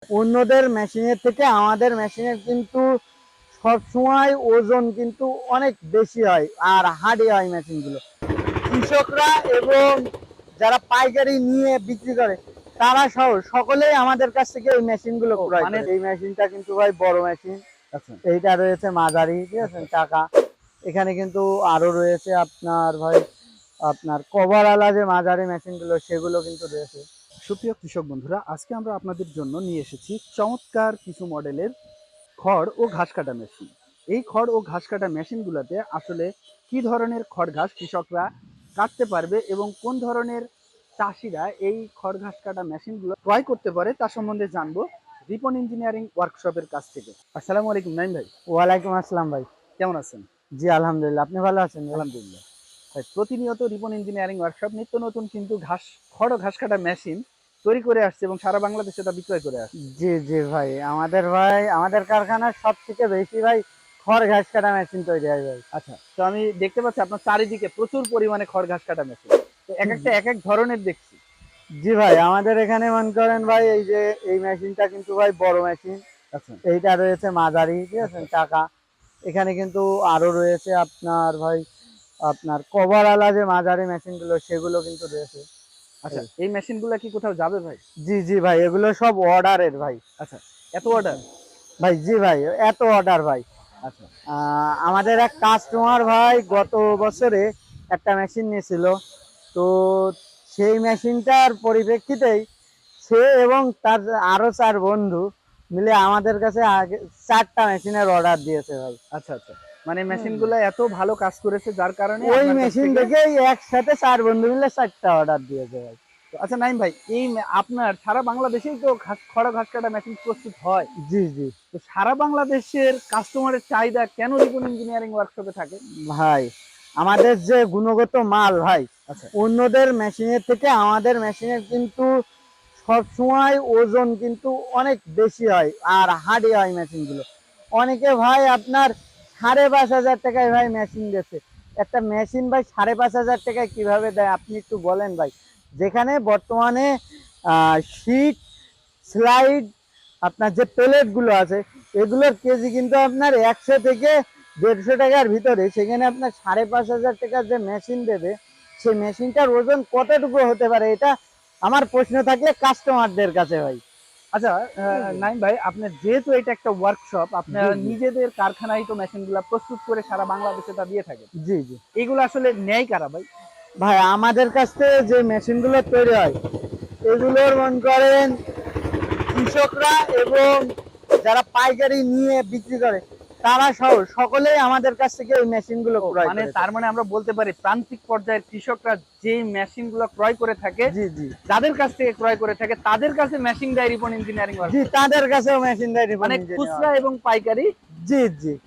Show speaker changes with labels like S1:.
S1: অন্যদের মেশিনের থেকে আমাদের মেশিনের কিন্তু সবসময় ওজন কিন্তু অনেক বেশি হয় আর হার্ডি হয় মেশিনগুলো। কৃষকরা এবং যারা পাইকারি নিয়ে বিক্রি করে তারা সহ সকলেই আমাদের কাছ থেকে এই মেশিনগুলো ক্রয়
S2: মানে
S1: করে। এই মেশিনটা কিন্তু ভাই বড় মেশিন।
S2: আচ্ছা
S1: এইটা রয়েছে মাঝারি, ঠিক আছে, টাকা। এখানে কিন্তু আরো রয়েছে আপনার ভাই আপনার কভার আলা যে মাঝারি মেশিনগুলো সেগুলো কিন্তু রয়েছে।
S2: সুপ্রিয় কৃষক বন্ধুরা, আজকে আমরা আপনাদের জন্য নিয়ে এসেছি চমৎকার কিছু মডেলের খড় ও ঘাস কাটা মেশিন। এই খড় ও ঘাস কাটা মেশিনগুলোতে আসলে কি ধরনের খড় ঘাস কৃষকরা কাটতে পারবে এবং কোন ধরনের চাষিরা এই খড় ঘাস কাটা মেশিনগুলো ক্রয় করতে পারে তা সম্বন্ধে জানবো রিপন ইঞ্জিনিয়ারিং ওয়ার্কশপের কাছ থেকে। আসসালামু আলাইকুম নাইম ভাই।
S1: ওয়ালাইকুম আসসালাম ভাই।
S2: কেমন আছেন?
S1: জি আলহামদুলিল্লাহ, আপনি ভালো আছেন ভাই?
S2: আলহামদুলিল্লাহ। ভাই, প্রতিনিয়ত রিপন ইঞ্জিনিয়ারিং ওয়ার্কশপ নিত্য নতুন কিন্তু খড় ও ঘাস কাটা মেশিন তৈরি করে আসছে এবং সারা বাংলাদেশে তা বিক্রয় করে আসছে।
S1: জি জি ভাই, আমাদের কারখানার সব থেকে বেশি ভাই খড় ঘাস কাটা মেশিন তৈরি হয় ভাই।
S2: আচ্ছা, তো আমি দেখতে পাচ্ছি আপনার চারিদিকে প্রচুর পরিমাণে খড় ঘাস কাটা মেশিন। তো এক একটা এক এক ধরনের দেখছি।
S1: জি ভাই, আমাদের এখানে মনে করেন ভাই এই যে এই মেশিনটা কিন্তু ভাই বড় মেশিন।
S2: আচ্ছা
S1: এইটা রয়েছে মাঝারি, ঠিক আছে,
S2: আচ্ছা
S1: টাকা। এখানে কিন্তু আরো রয়েছে আপনার ভাই আপনার কভার আলা যে মাঝারি মেশিনগুলো সেগুলো কিন্তু রয়েছে।
S2: আচ্ছা,
S1: এই
S2: এই মেশিনগুলো কি কোথাও যাবে ভাই?
S1: জি জি ভাই, এগুলো সব অর্ডারের ভাই।
S2: আচ্ছা, এত অর্ডার?
S1: ভাই জি ভাই, এত অর্ডার ভাই।
S2: আচ্ছা
S1: আমাদের এক কাস্টমার ভাই গত বছরে একটা মেশিন নিয়েছিল। তো সেই মেশিনটার পরিপ্রেক্ষিতেই সে এবং তার আরো 4 বন্ধু মিলে আমাদের কাছে আগে 4টা মেশিনের অর্ডার দিয়েছে ভাই।
S2: আচ্ছা আচ্ছা, মানে মেশিনগুলো এত ভালো কাজ করেছে যার কারণে
S1: ওই
S2: আপনার কাছ
S1: মেশিন
S2: থেকে।
S1: দেখেই একসাথে 4 বন্ধু মিলে 4টা অর্ডার দিয়েছে ভাই।
S2: আচ্ছা নাইম ভাই, আপনার সারা বাংলাদেশেই তো খড় ঘাস কাটা মেশিন প্রস্তুত হয়।
S1: জি জি
S2: তো সারা বাংলাদেশের কাস্টমারের চাহিদা কেন রিপন ইঞ্জিনিয়ারিং ওয়ার্কশপে থাকে?
S1: ভাই, আমাদের যে গুণগত মাল ভাই
S2: আচ্ছা
S1: অন্যদের মেশিনের থেকে আমাদের মেশিনের কিন্তু সবসময় ওজন কিন্তু অনেক বেশি হয় আর হার্ডি হয় মেশিনগুলো। অনেকে ভাই আপনার 5,500 টাকায় ভাই মেশিন দিচ্ছে। একটা মেশিন ভাই 5,500 টাকায় কিভাবে দেয় আপনি একটু বলেন ভাই? যেখানে বর্তমানে শীট স্লাইড আপনার যে প্লেট গুলো আছে এগুলোর কেজি কিন্তু আপনার 100 থেকে 150 টাকার ভিতরে, সেখানে আপনার 5,500 টাকার যে মেশিন দেবে সেই মেশিনটার ওজন কতটুকু হতে পারে, এটা আমার প্রশ্ন থাকলে কাস্টমারদের কাছে ভাই।
S2: আচ্ছা, নাইম ভাই, আপনার যেহেতু এটা একটা ওয়ার্কশপ,
S1: জি
S2: আপনারা
S1: জি
S2: নিজেদের কারখানায় তো মেশিনগুলো প্রস্তুত করে সারা বাংলাদেশে তা দিয়ে থাকেন।
S1: জি জি
S2: এগুলো আসলে নেয় কারা ভাই?
S1: ভাই, আমাদের কাছ থেকে যে মেশিনগুলো তৈরি হয় এগুলোর মনে করেন কৃষকরা এবং যারা পাইকারি নিয়ে বিক্রি করে তারা সহ সকলেই আমাদের কাছ থেকে এই মেশিনগুলো ক্রয়
S2: মানে
S1: করে
S2: তার
S1: থাকে।
S2: মানে আমরা বলতে পারি প্রান্তিক পর্যায়ের কৃষকরা যে মেশিনগুলো ক্রয় করে থাকে,
S1: জি জি
S2: যাদের কাছ থেকে ক্রয় করে থাকে তাদের কাছে মেশিন দেয় রিপন ইঞ্জিনিয়ারিং
S1: জি,
S2: ওয়ার্কশপ।
S1: তাদের কাছেও মেশিন দেয় রিপন
S2: মানে
S1: ইঞ্জিনিয়ার।
S2: খুচরা এবং পাইকারি
S1: জি জি